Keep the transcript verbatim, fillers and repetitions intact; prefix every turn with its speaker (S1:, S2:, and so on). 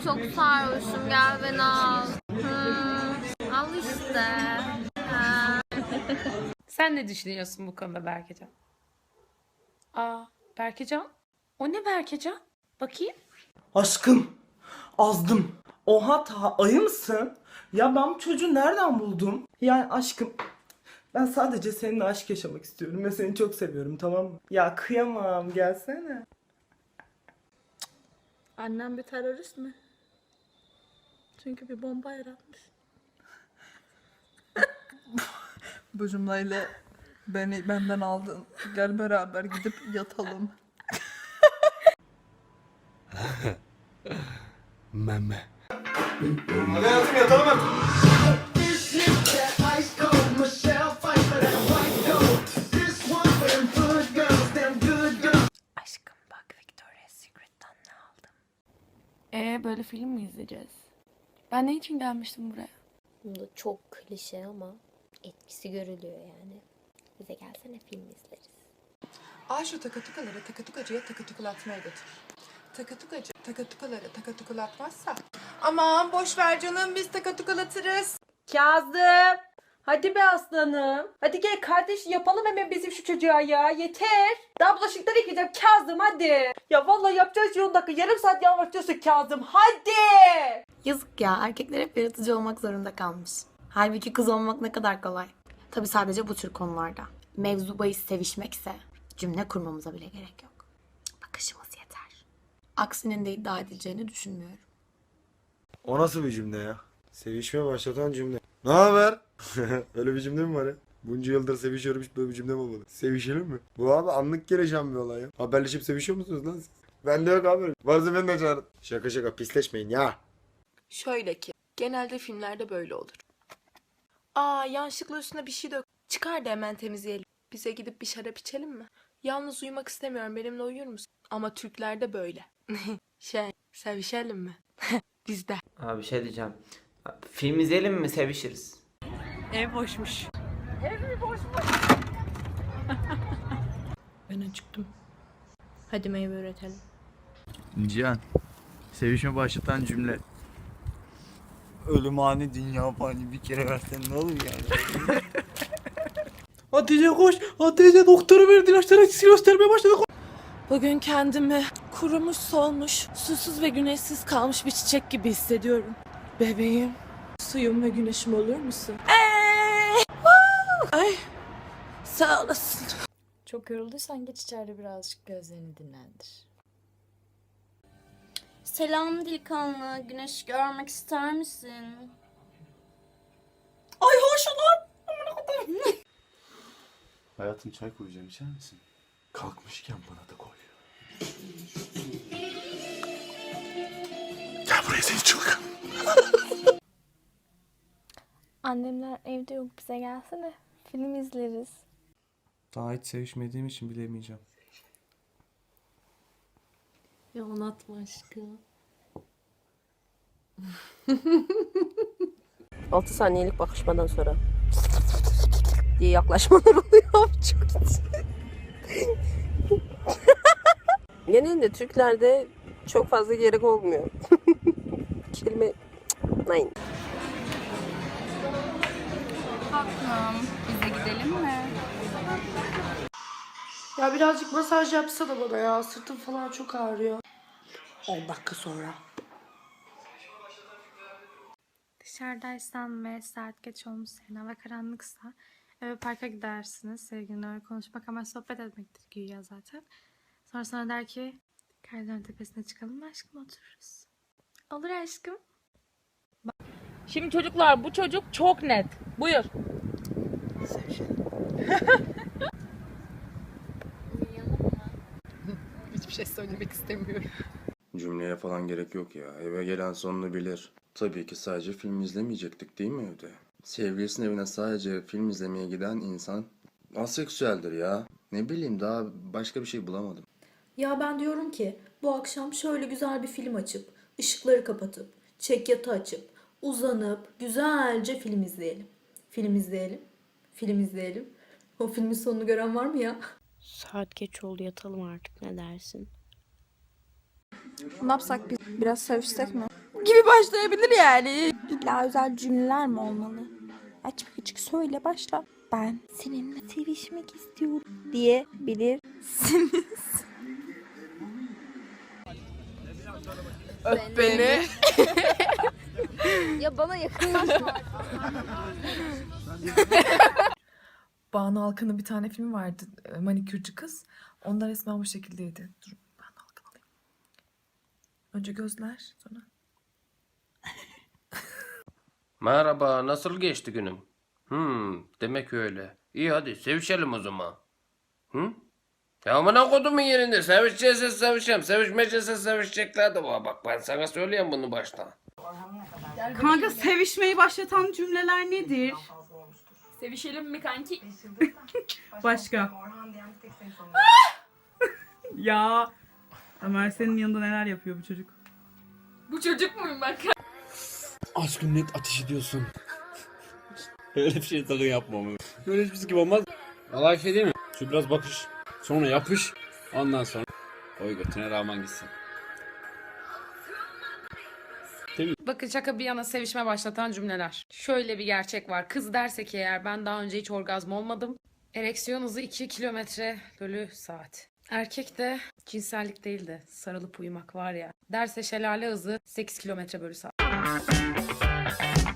S1: çok sarhoşum, gel beni al. Hmm, al işte. Ha.
S2: Sen ne düşünüyorsun bu konuda Berkecan? Aa, Berkecan? O ne Berkecan? Bakayım.
S3: Aşkım, azdım. Oha ta ayı mısın? Ya ben bu çocuğu nereden buldum? Yani aşkım, ben sadece seninle aşk yaşamak istiyorum ve seni çok seviyorum, tamam mı? Ya kıyamam, gelsene.
S4: Annem bir terörist mi? Çünkü bir bomba yaratmış.
S5: Bu cümleyle beni benden aldın. Gel beraber gidip yatalım.
S6: Meme.
S3: Hadi hayatım yatalım artık.
S2: Aşkım bak Victoria's Secret'tan ne aldım. Ee böyle film mi izleyeceğiz? Ben ne için gelmiştim buraya?
S1: Bunda çok klişe ama etkisi görülüyor yani. Bize gelsene, film izleriz.
S5: Al şu takatukaları takatukacıya takatukulatmaya götür. Takatukacı takatukaları takatukulatmazsa aman boş ver canım, biz takatukalatırız.
S4: Kazım! Hadi be aslanım. Hadi gel kardeş, yapalım hemen bizim şu çocuğa ya. Yeter. Daha bulaşıkları yıkayacağım Kazım, hadi. Ya vallahi yapacağız on dakika. Yarım saat yalvartıyorsun Kazım. Hadi.
S7: Yazık ya, erkekler hep yaratıcı olmak zorunda kalmış. Halbuki kız olmak ne kadar kolay. Tabii sadece bu tür konularda. Mevzu bahis sevişmekse cümle kurmamıza bile gerek yok. Bakışımız yeter. Aksinin de iddia edileceğini düşünmüyorum.
S6: O nasıl bir cümle ya? Sevişme başlatan cümle. Ne haber? Öyle bir cümle mi var ya? Bunca yıldır sevişiyorum, hiç böyle bir cümle mi olmadı? Sevişelim mi? Bu abi anlık gelişen bir olay ya. Haberleşip sevişiyor musunuz lan siz? Bende yok abi. Varsa beni de çağırın. Şaka şaka, pisleşmeyin ya.
S5: Şöyle ki genelde filmlerde böyle olur. Aa, yanlışlıkla üstüne bir şey dök. Çıkar da hemen temizleyelim. Bize gidip bir şarap içelim mi? Yalnız uyumak istemiyorum, benimle uyur musun? Ama Türklerde böyle. Şey, sevişelim mi? Bizde.
S8: Abi bir şey diyeceğim. Film izleyelim mi, sevişiriz?
S5: Ev boşmuş. Ben acıktım.
S4: Hadi meyve üretelim.
S9: Cihan, sevişme başlatan cümle. Ölüm ani, dünya fani, bir kere versen ne olur yani?
S3: Hatice koş. Hatice doktoru verdi, ilaçları etkisi göstermeye başladı.
S4: Bugün kendimi kurumuş, solmuş, susuz ve güneşsiz kalmış bir çiçek gibi hissediyorum. Bebeğim, suyum ve güneşim olur musun? Ay, sağ olasın.
S10: Çok yorulduysan geç içeride birazcık gözlerini dinlendir.
S1: Selam delikanlı, güneş görmek ister misin?
S4: Ay hoş olur.
S6: Hayatım, çay koyacağım, içer misin? Kalkmışken bana da koy. Gel buraya seni çılgın.
S1: Annemler evde yok, bize gelsene. Film izleriz.
S9: Daha hiç sevişmediğim için bilemeyeceğim.
S4: Ya anlatma aşkım.
S11: altı saniyelik bakışmadan sonra diye yaklaşmalar oluyor. Çok genelde Türklerde çok fazla gerek olmuyor. Kelime nein.
S1: Tatlım, bize gidelim mi?
S4: Ya birazcık masaj yapsana bana ya. Sırtım falan çok ağrıyor. on dakika sonra.
S1: Dışarıdaysan ve saat geç olmuş, senin ve karanlıksa eve parka gidersiniz. Sevgilinle öyle konuşmak ama sohbet etmektir güya zaten. Sonra sana der ki Kaydıran tepesine çıkalım mı aşkım, otururuz. Olur aşkım.
S2: Şimdi çocuklar, bu çocuk çok net. Buyur.
S5: Hiçbir şey söylemek istemiyorum.
S6: Cümleye falan gerek yok ya. Eve gelen sonunu bilir. Tabii ki sadece film izlemeyecektik değil mi evde? Sevgilisinin evine sadece film izlemeye giden insan aseksüeldir ya. Ne bileyim, daha başka bir şey bulamadım.
S4: Ya ben diyorum ki bu akşam şöyle güzel bir film açıp, ışıkları kapatıp, çekyatı açıp, uzanıp güzelce film izleyelim. Film izleyelim. Film izleyelim. O filmin sonunu gören var mı ya?
S11: Saat geç oldu, yatalım artık, ne dersin?
S12: Ne yapsak biz? Biraz sevişsek mi? Gibi başlayabilir yani. İlla özel cümleler mi olmalı? Açık açık söyle başla. Ben seninle sevişmek istiyorum diyebilirsiniz.
S5: Öp beni.
S12: Ya bana yakınlaşma.
S13: Banu Alkan'ın bir tane filmi vardı. e, Manikürcü Kız. Onda resmen bu şekildeydi. Dur Banu Alkan alayım. Önce gözler sonra.
S14: Merhaba, nasıl geçti günün? Hmm, demek öyle. İyi hadi sevişelim o zaman. Hı? Ya amına kodumun yerinde sevişecekse sevişeceğim. Sevişmeyecekse sevişecekler de var. Bak ben sana söyleyeyim bunu baştan.
S2: Kanka sevişmeyi başlatan cümleler nedir?
S10: Sevişelim mi kanki?
S2: Başka. Ya Ömer senin yanında neler yapıyor bu çocuk?
S10: Bu çocuk muyum ben?
S9: Aşkım net ateş ediyorsun. Öyle bir şey sakın yapma. Böyle hiçbir şey gibi olmaz. Olay şey değil mi? Şu biraz bakış. Sonra yapış. Ondan sonra oy götüne rağmen gitsin.
S2: Bakın şaka bir yana sevişme başlatan cümleler. Şöyle bir gerçek var. Kız derse ki eğer ben daha önce hiç orgazm olmadım. Ereksiyon hızı iki kilometre bölü saat. Erkek de cinsellik değil de sarılıp uyumak var ya. Derse şelale hızı sekiz kilometre bölü saat.